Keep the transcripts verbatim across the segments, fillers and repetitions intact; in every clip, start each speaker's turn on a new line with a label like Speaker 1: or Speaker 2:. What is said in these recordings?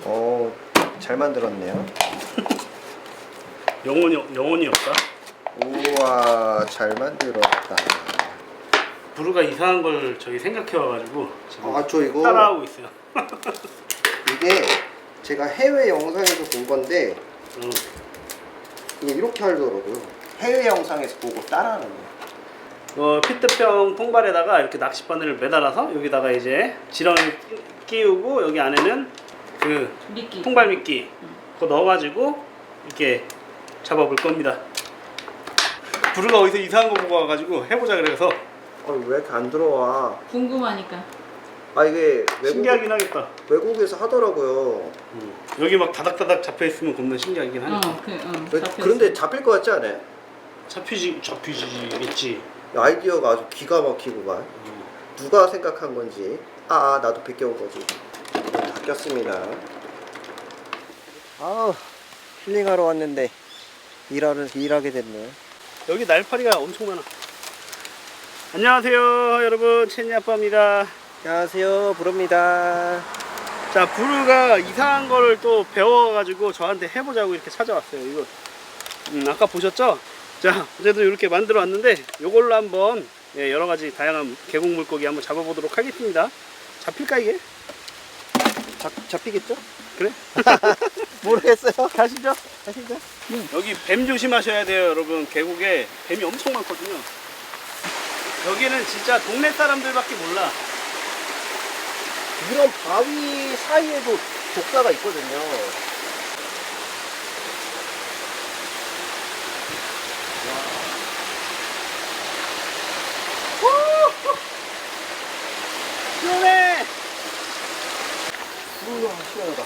Speaker 1: 어, 잘 만들었네요.
Speaker 2: 영혼이 영혼이 없다.
Speaker 1: 우와, 잘 만들었다.
Speaker 2: 부르가 이상한 걸 저기 생각해 와가지고 지금
Speaker 1: 아, 저 이거
Speaker 2: 따라하고 있어요.
Speaker 1: 이게 제가 해외 영상에서 본 건데
Speaker 2: 어.
Speaker 1: 이게 이렇게 하더라고요. 해외 영상에서 보고 따라하는 거예요.
Speaker 2: 어, 피트병 통발에다가 이렇게 낚싯바늘을 매달아서 여기다가 이제 지렁이 끼우고 여기 안에는 그
Speaker 3: 미끼.
Speaker 2: 통발 미끼 그거 넣어가지고 이렇게 잡아볼 겁니다. 부르가 어디서 이상한 거 보고 와가지고 해보자 그래서.
Speaker 1: 아, 왜 이렇게 안 들어와?
Speaker 3: 궁금하니까.
Speaker 1: 아, 이게 외국,
Speaker 2: 신기하긴 하겠다.
Speaker 1: 외국에서 하더라고요.
Speaker 2: 음. 여기 막 다닥다닥 잡혀 있으면 겁나 신기하긴 하니까.
Speaker 3: 어, 그, 어.
Speaker 1: 왜-
Speaker 3: 잡혔어.
Speaker 1: 그런데 잡힐 것 같지 않아요?
Speaker 2: 잡히지 잡히지겠지.
Speaker 1: 아이디어가 아주 기가 막히고만.
Speaker 2: 음.
Speaker 1: 누가 생각한 건지. 아, 나도 베껴온 거지. 다 꼈습니다. 아우, 힐링하러 왔는데 일하러 일하게 됐네.
Speaker 2: 여기 날파리가 엄청 많아. 안녕하세요 여러분, 채니 아빠입니다.
Speaker 1: 안녕하세요, 부릅니다.
Speaker 2: 자, 부르가 이상한 거를 또 배워가지고 저한테 해보자고 이렇게 찾아왔어요. 이거 음, 아까 보셨죠? 자, 어제도 이렇게 만들어 왔는데 이걸로 한번 예, 여러 가지 다양한 계곡 물고기 한번 잡아보도록 하겠습니다. 잡힐까 이게?
Speaker 1: 잡, 잡히겠죠?
Speaker 2: 그래?
Speaker 1: 모르겠어요.
Speaker 2: 가시죠.
Speaker 1: 가시죠.
Speaker 2: 여기 뱀 조심하셔야 돼요 여러분. 계곡에 뱀이 엄청 많거든요. 여기는 진짜 동네 사람들밖에 몰라.
Speaker 1: 이런 바위 사이에도 독사가 있거든요.
Speaker 2: 시원해.
Speaker 1: 우와, 시원하다.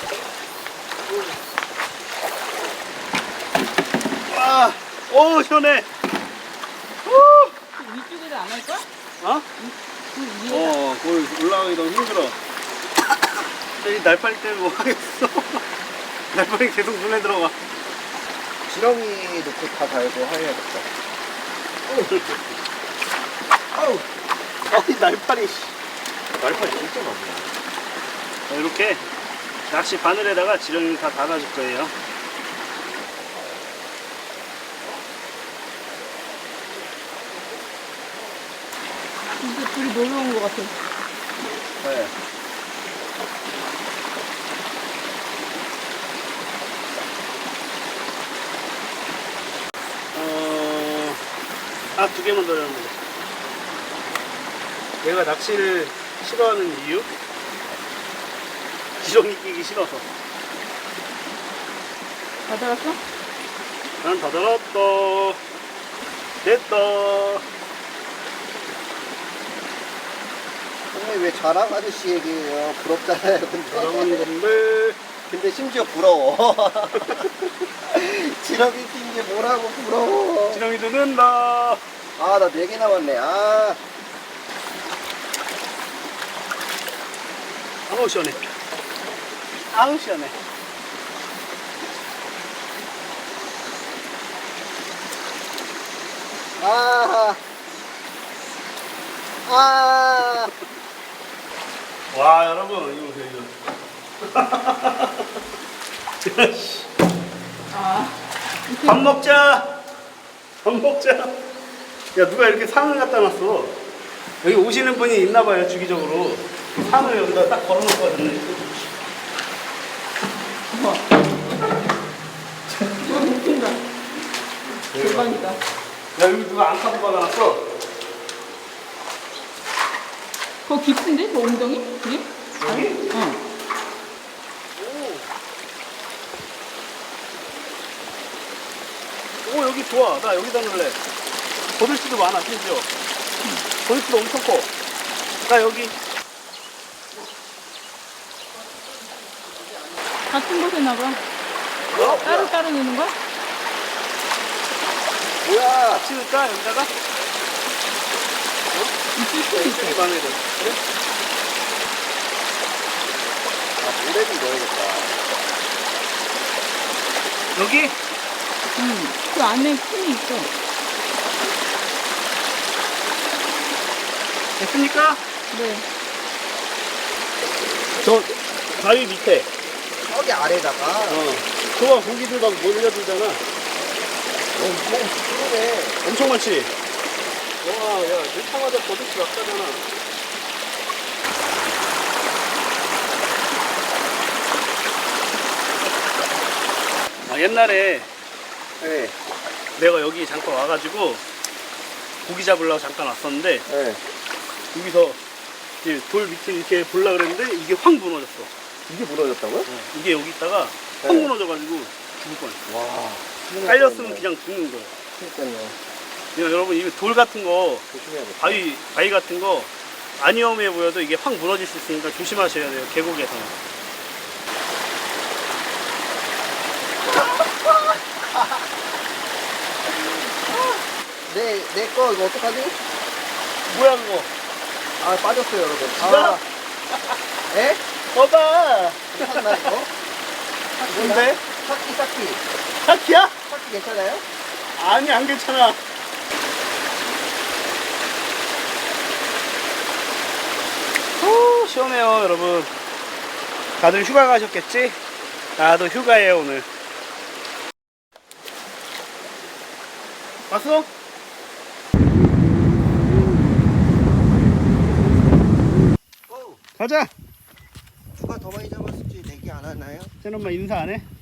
Speaker 2: 와, 오 시원해.
Speaker 3: 그 위쪽에도 안 할까?
Speaker 2: 어?
Speaker 3: 그 위에다.
Speaker 2: 어, 거기 올라가기 너무 힘들어. 이 날파리 때문에 뭐 하겠어. 날파리 계속 눈에 들어가.
Speaker 1: 지렁이 넣고 다 달고 해야겠다. 아우,
Speaker 2: 아이 날파리.
Speaker 1: 날파리 진짜 많네.
Speaker 2: 자, 이렇게 낚시 바늘에다가 지렁이를 다 달아줄 거예요.
Speaker 3: 이제 둘이 놀러 온 것 같아.
Speaker 2: 네. 어, 아, 두 개만 더 넣으면 돼. 내가 낚시를 싫어하는 이유? 지렁이 끼기 싫어서.
Speaker 3: 다 달았어?
Speaker 2: 난 다 달았다. 됐다.
Speaker 1: 선생님 왜 자랑 아저씨 얘기해요? 부럽잖아요, 근데.
Speaker 2: 사랑하는 건데.
Speaker 1: 근데 심지어 부러워. 지렁이 낀 게 뭐라고 부러워.
Speaker 2: 지렁이도 는다.
Speaker 1: 아, 나 네 개 남았네. 아,
Speaker 2: 아우 시원해. 아우 시원해.
Speaker 1: 아, 아.
Speaker 2: 와 여러분 이거 보세요 이거.
Speaker 3: 아.
Speaker 2: 밥 먹자. 밥 먹자. 야 누가 이렇게 상을 갖다 놨어. 여기 오시는 분이 있나봐요 주기적으로. 상을 여기다 딱 걸어놓거든요.
Speaker 3: 우와. 이거 웃긴다. 대박이다.
Speaker 2: 야 여기 누가 안카고 박아놨어.
Speaker 3: 그거 깊은데? 그 엉덩이? 그게?
Speaker 2: 여기?
Speaker 3: 어.
Speaker 2: 오 여기 좋아. 나 여기다 넣을래. 버들치도 많아 심지어. 버들치도 엄청 커. 나 여기.
Speaker 3: 같은 곳에 나봐.
Speaker 2: 어?
Speaker 3: 따로 따로 넣는 거야?
Speaker 1: 뭐야?
Speaker 2: 같이 넣을까 여기다가?
Speaker 3: 있을 수도 있어.
Speaker 2: 이쪽이 마음에 들어. 그래?
Speaker 1: 아, 모래 좀 넣어야겠다.
Speaker 2: 여기?
Speaker 3: 응. 그 안에 틈이 있어.
Speaker 2: 됐습니까?
Speaker 3: 네.
Speaker 2: 저 바위 밑에
Speaker 1: 저기 아래다가.
Speaker 2: 어. 그거 고기들 막 몰려들잖아.
Speaker 1: 어, 뭐, 그러네.
Speaker 2: 엄청 많지? 와, 야, 넣자마자 버릇이 막 가잖아. 아, 옛날에
Speaker 1: 네.
Speaker 2: 내가 여기 잠깐 와가지고 고기 잡으려고 잠깐 왔었는데
Speaker 1: 네.
Speaker 2: 여기서 이제 돌 밑에 이렇게 보려고 그랬는데 이게 확 무너졌어.
Speaker 1: 이게 무너졌다고요?
Speaker 2: 어, 이게 여기 있다가 확
Speaker 1: 네.
Speaker 2: 무너져가지고 죽을 뻔했어.
Speaker 1: 와.
Speaker 2: 깔렸으면 그냥 죽는 거야.
Speaker 1: 그러니까요.
Speaker 2: 그냥 여러분 이거 돌 같은 거,
Speaker 1: 조심해야겠다.
Speaker 2: 바위, 바위 같은 거 안 위험해 보여도 이게 확 무너질 수 있으니까 조심하셔야 돼요. 계곡에서.
Speaker 1: 내, 내 거 이거 어떡하지?
Speaker 2: 뭐야 그거?
Speaker 1: 아, 빠졌어요, 여러분.
Speaker 2: 뭐야?
Speaker 1: 아. 에?
Speaker 2: 봐봐.
Speaker 1: 괜찮나, 이거?
Speaker 2: 뭔데?
Speaker 1: 사키, 사키.
Speaker 2: 사키야?
Speaker 1: 사키 괜찮아요?
Speaker 2: 아니 안 괜찮아. 후, 시원해요 여러분. 다들 휴가 가셨겠지? 나도 휴가예요 오늘. 왔어?
Speaker 1: 오,
Speaker 2: 가자.
Speaker 1: 누가 더 많이 잡았을지 내기 안 하나요?
Speaker 2: 쟤엄마 인사 안 해?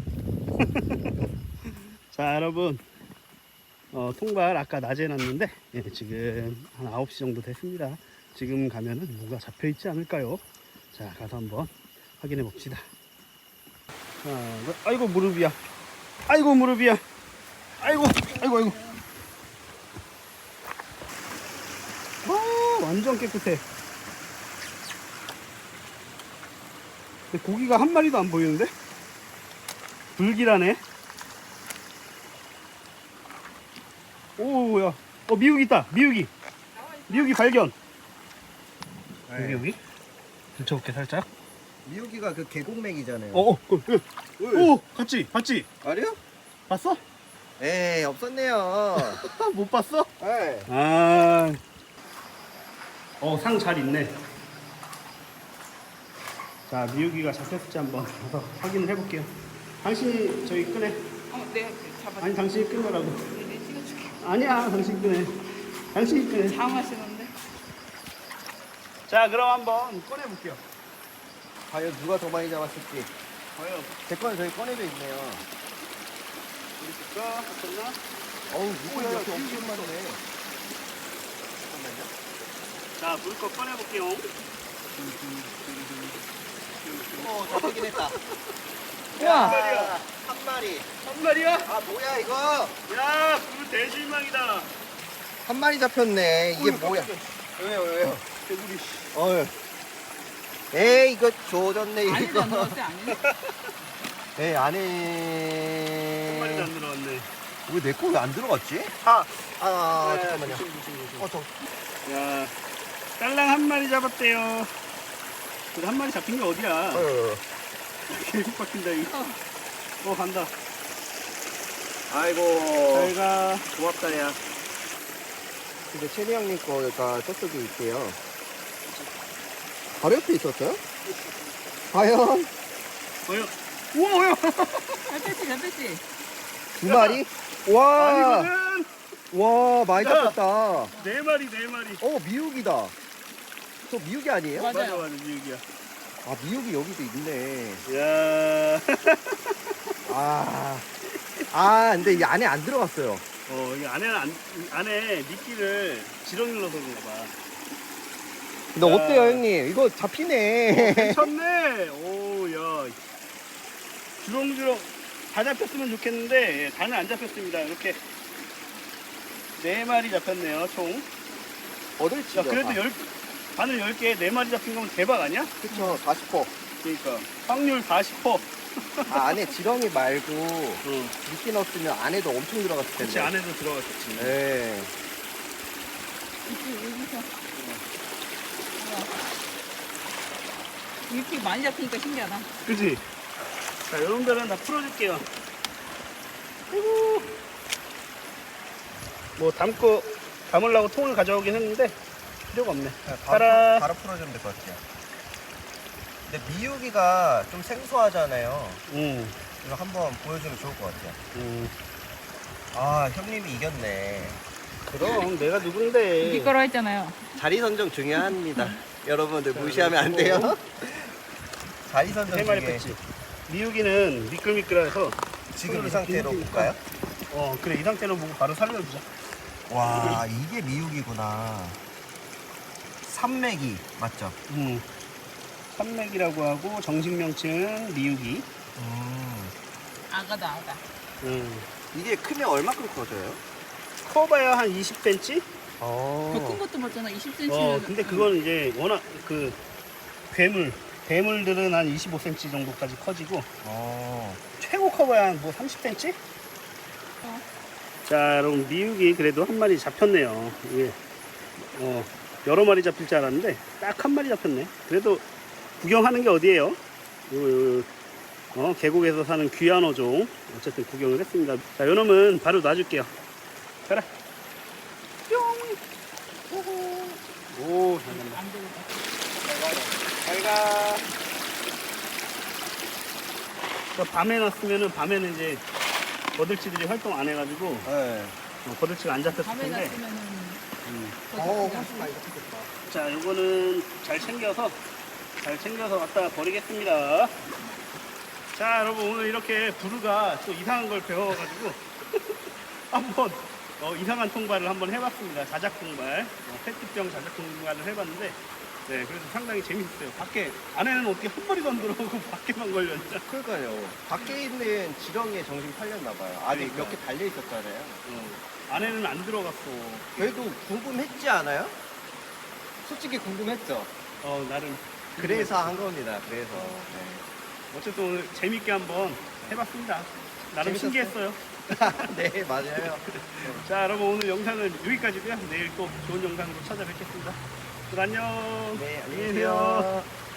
Speaker 2: 자 여러분, 어, 통발 아까 낮에 놨는데 예, 지금 한 아홉 시 정도 됐습니다. 지금 가면은 뭐가 잡혀 있지 않을까요? 자 가서 한번 확인해 봅시다. 하나, 둘, 아이고 무릎이야. 아이고 무릎이야. 아이고 아이고 아이고. 와 완전 깨끗해. 근데 고기가 한 마리도 안 보이는데? 불길하네. 오야, 어 미육이 있다. 미육이. 미육이 발견.
Speaker 1: 네.
Speaker 2: 미육이. 붙여볼게 살짝.
Speaker 1: 미우기가 그 계곡맥이잖아요.
Speaker 2: 어, 어, 그, 그. 오, 봤지, 봤지.
Speaker 1: 아니요?
Speaker 2: 봤어?
Speaker 1: 에이, 없었네요.
Speaker 2: 못 봤어?
Speaker 1: 네.
Speaker 2: 아, 어, 상 잘 있네. 자, 미육이가 잡혔을지 한번 가서 확인을 해볼게요. 당신이 저기 끄네.
Speaker 3: 어, 내가 잡아.
Speaker 2: 아니, 당신이 끄느라고.
Speaker 3: 내 찍어줄게.
Speaker 2: 아니야, 당신이 끄네. 당신이 끄네.
Speaker 3: 당하시는데.
Speaker 2: 자, 그럼 한번 꺼내볼게요.
Speaker 1: 과연 누가 더 많이 잡았을지.
Speaker 2: 과연,
Speaker 1: 제 거는 저기 꺼내져 있네요.
Speaker 2: 우리 집가 잡혔나?
Speaker 1: 어우, 누가
Speaker 2: 뭐야,
Speaker 1: 이렇게
Speaker 2: 미우기
Speaker 1: 엄청 많네.
Speaker 2: 자, 물 거 꺼내볼게요.
Speaker 1: 어, 잡히긴 했다.
Speaker 3: 우와.
Speaker 1: 야, 한 마리.
Speaker 2: 한 마리야?
Speaker 1: 아, 뭐야, 이거?
Speaker 2: 야, 그 대실망이다.
Speaker 1: 한 마리 잡혔네. 이게
Speaker 2: 어이,
Speaker 1: 뭐야?
Speaker 2: 깜짝이야.
Speaker 1: 왜요, 왜요?
Speaker 2: 개구리.
Speaker 1: 어휴. 에이, 이거 조졌네,
Speaker 3: 아니도
Speaker 1: 이거.
Speaker 3: 안 넣었어요, 아니?
Speaker 1: 에이,
Speaker 2: 한
Speaker 1: 안에.
Speaker 2: 마리도 안 들어갔네.
Speaker 1: 왜 내 거 왜 안 들어갔지?
Speaker 2: 아,
Speaker 1: 아,
Speaker 2: 야,
Speaker 1: 잠깐만요.
Speaker 2: 조심, 조심, 조심.
Speaker 1: 어, 저.
Speaker 2: 야, 딸랑 한 마리 잡았대요. 그래, 한 마리 잡힌 게 어디야?
Speaker 1: 어휴.
Speaker 2: 계속 박힌다, 이거.
Speaker 3: 어.
Speaker 2: 어, 간다.
Speaker 1: 아이고.
Speaker 2: 잘 가. 고맙다, 야.
Speaker 1: 근데 최대 형님 거가 저쪽에 있대요. 바로 옆에 있었어요? 과연?
Speaker 2: 어여. 우와, 어여.
Speaker 3: 잡혔지, 잡혔지.
Speaker 1: 두 마리? 와,
Speaker 2: 아니거든.
Speaker 1: 와, 많이
Speaker 2: 야.
Speaker 1: 잡혔다.
Speaker 2: 네 마리, 네 마리.
Speaker 1: 어, 미육이다. 저 미육이 아니에요?
Speaker 3: 맞아.
Speaker 2: 맞아, 맞아, 미육이야.
Speaker 1: 아, 미육이 여기도 있네.
Speaker 2: 야.
Speaker 1: 아, 아, 근데 이 안에 안 들어갔어요.
Speaker 2: 어, 이 안에는 안, 안에 미끼를 지렁이 넣어서 그런가 봐.
Speaker 1: 근데
Speaker 2: 야.
Speaker 1: 어때요, 형님? 이거 잡히네.
Speaker 2: 괜찮네. 오, 야. 주렁주렁 다 잡혔으면 좋겠는데, 예, 다는 안 잡혔습니다. 이렇게 네 마리 잡혔네요, 총.
Speaker 1: 얻을지.
Speaker 2: 야, 그래도 열, 바늘 열 개에 네 마리 잡힌 거면 대박 아니야?
Speaker 1: 그쵸, 사십 퍼센트.
Speaker 2: 그러니까. 확률 사십 퍼센트.
Speaker 1: 아, 안에 지렁이 말고
Speaker 2: 응.
Speaker 1: 미끼 넣었으면 안에도 엄청 들어갔을 텐데.
Speaker 2: 그치, 안에도 들어갔겠지.
Speaker 1: 네.
Speaker 3: 이쪽, 여기서. 우와. 이렇게 많이 잡히니까 신기하다.
Speaker 2: 그치? 자, 여러분들은 다 풀어줄게요. 아이고. 뭐, 담고, 담으려고 통을 가져오긴 했는데, 필요가 없네.
Speaker 1: 바로,
Speaker 2: 따라.
Speaker 1: 바로 풀어주면 될 것 같아요. 근데 미유기가 좀 생소하잖아요.
Speaker 2: 음,
Speaker 1: 이거 한번 보여주면 좋을 것 같아요.
Speaker 2: 음.
Speaker 1: 아, 형님이 이겼네.
Speaker 2: 그럼 내가 누군데?
Speaker 3: 이길 거라 했잖아요.
Speaker 1: 자리 선정 중요합니다. 여러분들 무시하면 안 돼요. 자리 선정
Speaker 2: 세 마리
Speaker 1: 중에
Speaker 2: 뺐지. 미육이는 미끌미끌해서
Speaker 1: 지금 이 상태로 볼까요?
Speaker 2: 어 그래 이 상태로 보고 바로 살려주자.
Speaker 1: 와, 이게 미육이구나. 산맥이 맞죠?
Speaker 2: 음. 산맥이라고 하고 정식 명칭은 미육이.
Speaker 1: 음.
Speaker 3: 아가다 아가.
Speaker 2: 음.
Speaker 1: 이게 크면 얼마큼 커져요?
Speaker 2: 커봐야 한 이십 센티미터?
Speaker 1: 어.
Speaker 3: 더 큰 것도 봤잖아. 이십 센티미터.
Speaker 2: 어 근데 그건 이제 워낙 그 괴물 괴물들은 한 이십오 센티미터 정도까지 커지고
Speaker 1: 어.
Speaker 2: 최고 커봐야 한 뭐 삼십 센티미터?
Speaker 3: 어.
Speaker 2: 자 여러분 미육이 그래도 한 마리 잡혔네요. 이게 어 여러 마리 잡힐 줄 알았는데 딱 한 마리 잡혔네. 그래도 구경하는 게 어디예요? 요, 요, 요, 어, 계곡에서 사는 귀한 어종 어쨌든 구경을 했습니다. 자 요놈은 바로 놔줄게요. 가라. 뿅. 오, 잘 간다.
Speaker 3: 안 되겠다.
Speaker 2: 잘 가. 그 밤에 놨으면은 밤에는 이제 거들치들이 활동 안 해가지고
Speaker 1: 네.
Speaker 2: 어, 거들치가 안 잡혔을
Speaker 3: 밤에
Speaker 2: 텐데.
Speaker 3: 놨으면은
Speaker 2: 음.
Speaker 1: 어, 훨씬 많이 잡혔겠다.
Speaker 2: 자, 요거는 잘 챙겨서 잘 챙겨서 갖다 버리겠습니다. 자, 여러분 오늘 이렇게 부르가 또 이상한 걸 배워가지고 한번 어, 이상한 통발을 한번 해봤습니다. 자작 통발, 어, 페트병 자작 통발을 해봤는데, 네, 그래서 상당히 재밌었어요. 밖에 안에는 어떻게 한 마리도 안 들어오고 밖에만 걸렸냐?
Speaker 1: 그러니까요. 밖에 있는 지렁이에 정신 팔렸나 봐요. 아직
Speaker 2: 그러니까.
Speaker 1: 몇 개 달려 있었잖아요.
Speaker 2: 어, 안에는 안 들어갔어.
Speaker 1: 그래도 궁금했지 않아요? 솔직히 궁금했죠.
Speaker 2: 어, 나름.
Speaker 1: 그래서 한 겁니다. 그래서. 네.
Speaker 2: 어쨌든 오늘 재밌게 한번 해봤습니다. 나름
Speaker 1: 재밌었어요.
Speaker 2: 신기했어요.
Speaker 1: 네, 맞아요.
Speaker 2: 자, 여러분 오늘 영상은 여기까지고요. 내일 또 좋은 영상으로 찾아뵙겠습니다. 그럼 안녕.
Speaker 1: 네, 안녕히
Speaker 2: 안녕히 계세요.
Speaker 1: 계세요.